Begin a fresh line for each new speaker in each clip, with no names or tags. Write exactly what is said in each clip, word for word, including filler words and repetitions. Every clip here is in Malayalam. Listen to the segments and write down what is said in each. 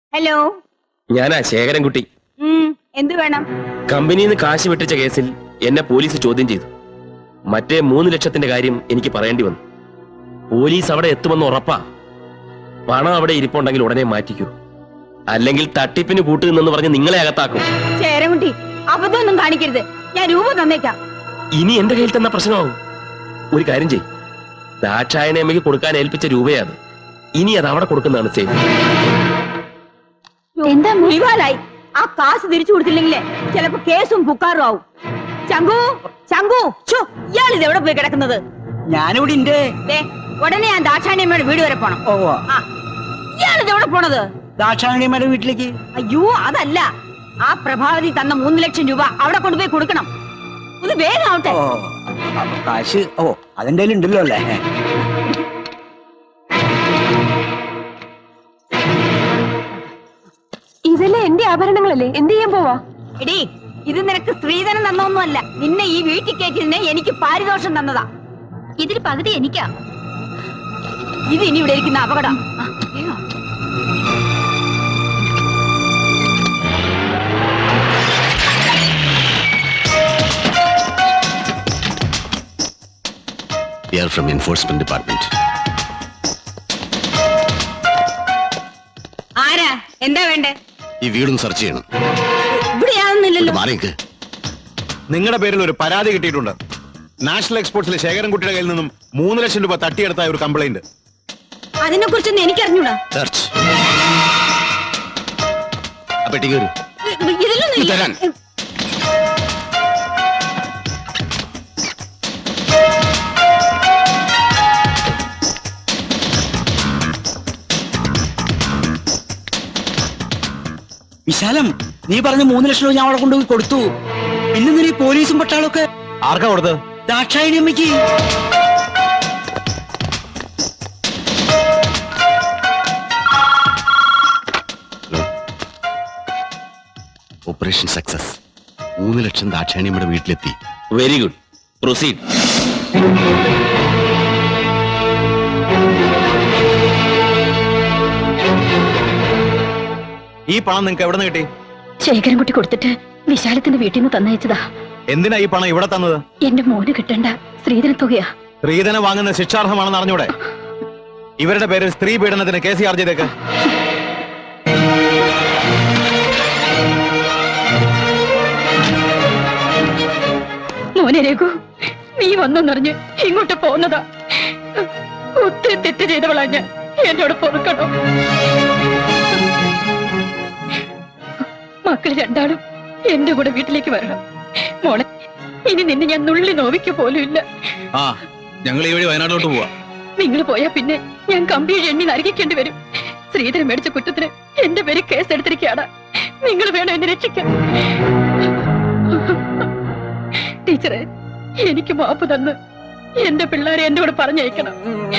ഹലോ,
ഞാനാ ശേഖരൻകുട്ടി.
എന്ത് വേണം?
കമ്പനിയിൽ നിന്ന് കാശ് വെട്ടിച്ച കേസിൽ എന്നെ പോലീസ് ചോദ്യം ചെയ്തു. മറ്റേ മൂന്ന് ലക്ഷത്തിന്റെ കാര്യം എനിക്ക് പറയേണ്ടി വന്നു. പോലീസ് അവിടെ എത്തുമെന്ന് ഉറപ്പാ. പണം അവിടെ ഇരിപ്പുണ്ടെങ്കിൽ ഉടനെ മാറ്റിക്കൂ, അല്ലെങ്കിൽ തട്ടിപ്പിന് കൂട്ടുനിന്നെന്ന് പറഞ്ഞ് നിങ്ങളെ അകത്താക്കും.
ശേഖരൻകുട്ടി, അബദ്ധമൊന്നും കാണിക്കരുത്. ഞാൻ രൂപ തന്നേക്കാം.
ഇനി എന്റെ കയ്യിൽ തന്ന പ്രശ്നമാവും. ഒരു കാര്യം ചെയ്യും, ദാക്ഷായണിയമ്മയ്ക്ക് കൊടുക്കാൻ ഏൽപ്പിച്ച രൂപയത്. ഇനി അത് അവിടെ കൊടുക്കുന്നതാണ് സേഫ്.
എന്താ മുറിവാലായി? ആ കാശ് തിരിച്ചു കൊടുത്തില്ലെങ്കിലേ ചിലപ്പോ കേസും പുക്കാറും ആവും. ചങ്കു, ചങ്കു, ഇയാൾ ഇത് എവിടെ പോയി കിടക്കുന്നത്?
ഞാനിവിടെ ഉണ്ട്.
ഉടനെ ഞാൻ ദാക്ഷായണിയമ്മയുടെ വീട് വരെ പോണം.
ഓ,
ഇയാൾ ഇത് എവിടെ പോണത്?
ദാക്ഷായണിയമ്മയുടെ വീട്ടിലേക്ക്.
അയ്യോ, അതല്ല, ആ പ്രഭാവതി തന്ന മൂന്ന് ലക്ഷം രൂപ അവിടെ കൊണ്ടുപോയി കൊടുക്കണം. ഇത് വേഗം ആവട്ടെ.
ഓ, കാശ് ഓ അതിന്റെ ഉണ്ടല്ലോ അല്ലേ?
ഇതല്ലേ എന്റെ ആഭരണങ്ങളല്ലേ? എന്ത് ചെയ്യാൻ പോവാ?
എടീ, ഇത് നിനക്ക് സ്ത്രീധനം തന്നൊന്നുമല്ല. നിന്നെ ഈ വീട്ടിൽ കയറ്റിയതിന് എനിക്ക് പാരിതോഷം തന്നതാ.
ഇതിൽ പകുതി എനിക്കാ.
ഇത് ഇനി ഇവിടെ ഇരിക്കുന്ന അപകടം.
We are from Enforcement Department.
ആരാ? എന്താ വേണ്ടേ?
ഈ വീടും സെർച്ച് ചെയ്യണം.
ഇവിടെ യാതൊന്നുമില്ലല്ലോ.
മാറിക്ക്.
നിങ്ങളുടെ പേരിൽ ഒരു പരാതി കിട്ടിയിട്ടുണ്ട്. നാഷണൽ എക്സ്പോർട്സിലെ ശേഖരൻകുട്ടിയുടെ കയ്യിൽ നിന്നും മൂന്ന് ലക്ഷം രൂപ തട്ടിയെടുത്ത ഒരു കംപ്ലൈന്റ്.
അതിനെ കുറിച്ചൊന്നും എനിക്കറിഞ്ഞൂടാ.
സെർച്ച്. അപ്പെട്ടിക്ക് വരൂ.
ഇതിലൊന്നും
തരാൻ.
വിശാലം, നീ പറഞ്ഞ മൂന്ന് ലക്ഷം രൂപ ഞാൻ അവിടെ കൊണ്ടുപോയി കൊടുത്തു. പിന്നെ നീ പോലീസും പട്ടാളൊക്കെ
ആർക്കാ കൊടുത്തത്?
ദാക്ഷായണിയമ്മയ്ക്ക്.
Operation success. മൂന്ന് ലക്ഷം ദാക്ഷായണിയമ്മയുടെ വീട്ടിലെത്തി.
Very good, proceed.
ഈ പണം നിങ്ങൾക്ക് എവിടെ നിന്ന് കിട്ടി?
ശേഖരൻകുട്ടി കൊടുത്തിട്ട് വിശാലത്തിന്റെ വീട്ടിൽ നിന്ന് തന്നയച്ചതാ.
എന്തിനാ ഈ പണം ഇവിടെ തന്നത്?
എന്റെ മോന് കിട്ടേണ്ട സ്ത്രീധന തുകയാ.
സ്ത്രീധനം വാങ്ങുന്ന ശിക്ഷാർഹമാണെന്ന് അറിഞ്ഞൂടെ? ഇവരുടെ പേരിൽ സ്ത്രീ പീഡനത്തിന് കേസ് ചാർജ് ചെയ്തേക്ക്.
മോനെ രഘു, നീ വന്നെന്നറിഞ്ഞ് ഇങ്ങോട്ട് പോന്നതാ. ഒത്തിരി തെറ്റ് ചെയ്തവളാ ഞാൻ. എന്നോട് പൊറുക്കണോ? മക്കൾ രണ്ടാളും എന്റെ കൂടെ വീട്ടിലേക്ക് വരണം. മോളെ, ഇനി നിന്നെ ഞാൻ നുള്ളി നോവിക്ക പോലും ഇല്ല.
ആ, ഞങ്ങൾ ഈ വഴി വയനാട്ടിലോട്ട് പോവാ.
നിങ്ങൾ പോയാ പിന്നെ ഞാൻ കമ്പിയിൽ എണ്ണി നരകിക്കേണ്ടി വരും. ശ്രീധരൻ മേടിച്ച കുറ്റത്തിന് എന്റെ പേര് കേസ് എടുത്തിരിക്കുകയാണ്. നിങ്ങൾ വേണം എന്നെ രക്ഷിക്കാൻ. ടീച്ചറെ, എനിക്ക് മാപ്പ് തന്ന് എന്റെ പിള്ളേരെ എന്റെ കൂടെ പറഞ്ഞയക്കണം.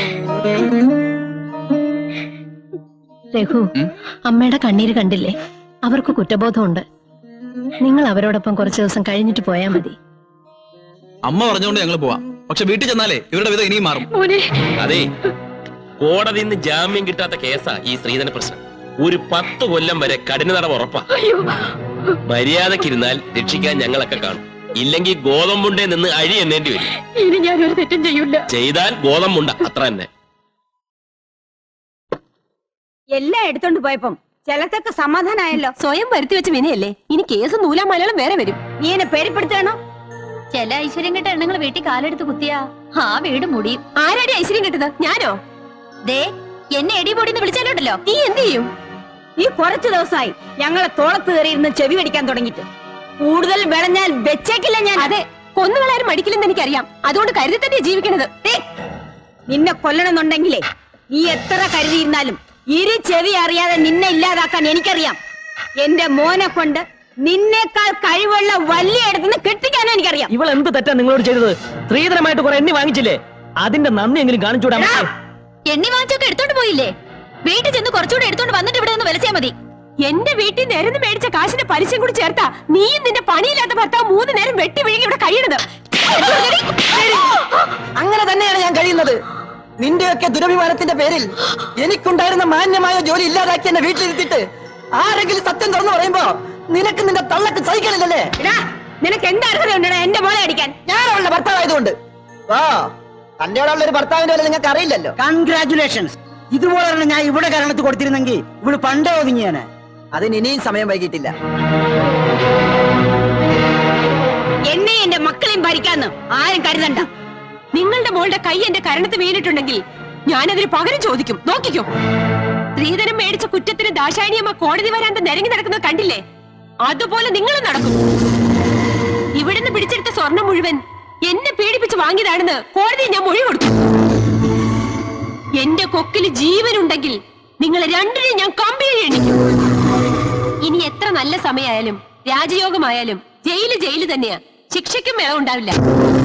രഘു, അമ്മയുടെ കണ്ണീര് കണ്ടില്ലേ? അവർക്ക് കുറ്റബോധമുണ്ട്. നിങ്ങൾ അവരോടൊപ്പം കുറച്ചു ദിവസം കഴിഞ്ഞിട്ട് പോയാ മതി.
അമ്മ പറഞ്ഞുകൊണ്ട് ഞങ്ങൾ പോവാം. പക്ഷെ വീട്ടിൽ ചെന്നാലേ ഇവരുടെ വിധം ഇനിയും മാറും.
അതെ, കോടതിയിൽ നിന്ന് ജാമ്യം കിട്ടാത്ത കേസാ ഈ സ്ത്രീധന പ്രശ്നം. ഒരു പത്ത് കൊല്ലം വരെ കഠിന തടവ് ഉറപ്പാ. മര്യാദക്കിരുന്നാൽ രക്ഷിക്കാൻ ഞങ്ങളൊക്കെ കാണും. ഇല്ലെങ്കിൽ ഗോതമ്പുണ്ടേ നിന്ന് അഴി എണ്ണേണ്ടി വരും.
ഇനി ഞാൻ ഒരു തെറ്റും ചെയ്യൂല.
ചെയ്താൽ ഗോതമ്പുണ്ട, അത്ര തന്നെ.
എല്ലാം എടുത്തോണ്ട് പോയപ്പം ചിലത്തൊക്കെ സമാധാനായല്ലോ.
സ്വയം വരുത്തി വെച്ച വിനയല്ലേ? ഇനി കേസ് നൂലാ മലയാളം വേറെ വരും.
നീ എന്നെ പേടിപ്പെടുത്തണോ?
ചില ഐശ്വര്യം കിട്ട എണ്ണങ്ങൾ വീട്ടിൽ കാലെടുത്ത് കുത്തിയാ ആ വീട് മുടിയും.
ആരാടി ഐശ്വര്യം കിട്ടത്? ഞാനോ?
ദേ, എന്നെ എടി പൊടിന്ന് വിളിച്ചാലുണ്ടല്ലോ.
നീ എന്ത് ചെയ്യും?
നീ കുറച്ചു ദിവസമായി ഞങ്ങളെ തോളത്ത് കയറിയിരുന്ന് ചെവി കടിക്കാൻ തുടങ്ങിട്ട്. കൂടുതൽ വിളഞ്ഞാൽ വെച്ചേക്കില്ല ഞാൻ.
അതെ, കൊന്നുകളാരും മടിക്കില്ലെന്ന് എനിക്കറിയാം. അതുകൊണ്ട് കരുതി തന്നെ ജീവിക്കണത്.
നിന്നെ കൊല്ലണമെന്നുണ്ടെങ്കിലേ നീ എത്ര കരുതിയിരുന്നാലും ഇരു ചെവി അറിയാതെ നിന്നെ ഇല്ലാതാക്കാൻ എനിക്കറിയാം. എന്റെ മോനെ കൊണ്ട് നിന്നേക്കാൾ കഴിവുള്ള വലിയ ഇടത്തുനിന്ന് കെട്ടിക്കാനും എനിക്കറിയാം.
ഇവൾ എന്ത് തെറ്റാ നിങ്ങളോട് ചെയ്തത്? സ്ത്രീധനമായിട്ട് കുറെ എണ്ണി വാങ്ങിച്ചില്ലേ? അതിന്റെ നന്ദി എങ്കിലും കാണിച്ചൂടാ?
എണ്ണി വാങ്ങിച്ചൊക്കെ എടുത്തോണ്ട് പോയില്ലേ? വീട്ടിൽ ചെന്ന് കുറച്ചുകൂടെ എടുത്തോണ്ട് വന്നിട്ട് ഇവിടെ നിന്ന് വിലച്ചാ മതി.
എന്റെ വീട്ടിൽ നേരം മേടിച്ച കാശിന്റെ പലിശയും കൂടി ചേർത്താ നീയും നിന്റെ പണിയില്ലാത്ത ഭർത്താവ് മൂന്ന് നേരം വെട്ടി വിഴുങ്ങി ഇവിടെ കഴിയണത്.
അങ്ങനെ തന്നെയാണ് ഞാൻ കഴിയുന്നത്. നിന്റെയൊക്കെ ദുരഭിമാനത്തിന്റെ പേരിൽ എനിക്കുണ്ടായിരുന്ന മാന്യമായ ജോലി ഇല്ലാതാക്കി എന്നെ വീട്ടിലിരുത്തിട്ട് ആരെങ്കിലും സത്യം തുറന്നു പറയുമ്പോ നിനക്ക് നിന്റെ തള്ളക്ക് സഹിക്കണില്ലല്ലേ?
എടാ നിനക്ക് എന്താ അർഹതയുണ്ടടാ എന്റെ മോളെ അടിക്കാൻ?
ഞാൻ അവളുടെ ഭർത്താവായതുകൊണ്ട്. ആ തന്റെ ഉള്ള ഒരു ഭർത്താവിന്റെ വരെ നിങ്ങൾക്ക് അറിയില്ലല്ലോ. കൺഗ്രാറ്റുലേഷൻസ്. ഇതുപോലെ ഞാൻ ഇവിടെ കാരണത്ത് കൊടുത്തിരുന്നെങ്കിൽ ഇവിടെ പണ്ടേ ഒതുങ്ങിയാണ്. അതിന് ഇനിയും സമയം വൈകിട്ടില്ല.
എന്നെ എന്റെ മക്കളെയും ഭരിക്കാന്ന് ആരും കരുതണ്ട.
നിങ്ങളുടെ മോളുടെ കൈ എന്റെ കരണത്ത് വീണിട്ടുണ്ടെങ്കിൽ ഞാനതിന് പകരം ചോദിക്കും. നോക്കിക്കോ. സ്ത്രീധനം മേടിച്ച കുറ്റത്തിന് ദാശായണിയമ്മ കോടതി വരാന്ത നിരങ്ങി നടക്കുന്നത് കണ്ടില്ലേ? അതുപോലെ നിങ്ങളും നടക്കും. ഇവിടുന്ന് പിടിച്ചെടുത്ത സ്വർണം മുഴുവൻ എന്നെ പീഡിപ്പിച്ച് വാങ്ങിയതാണെന്ന് കോടതി ഞാൻ മൊഴി കൊടുത്തു. എന്റെ കൊക്കില് ജീവനുണ്ടെങ്കിൽ നിങ്ങൾ രണ്ടിനെയും ഞാൻ കമ്പിയിൽ എണ്ണിക്കും. ഇനി എത്ര നല്ല സമയമായാലും രാജയോഗമായാലും ജയില് ജയില് തന്നെയാ. ശിക്ഷയ്ക്കും ഇളവുണ്ടാവില്ല.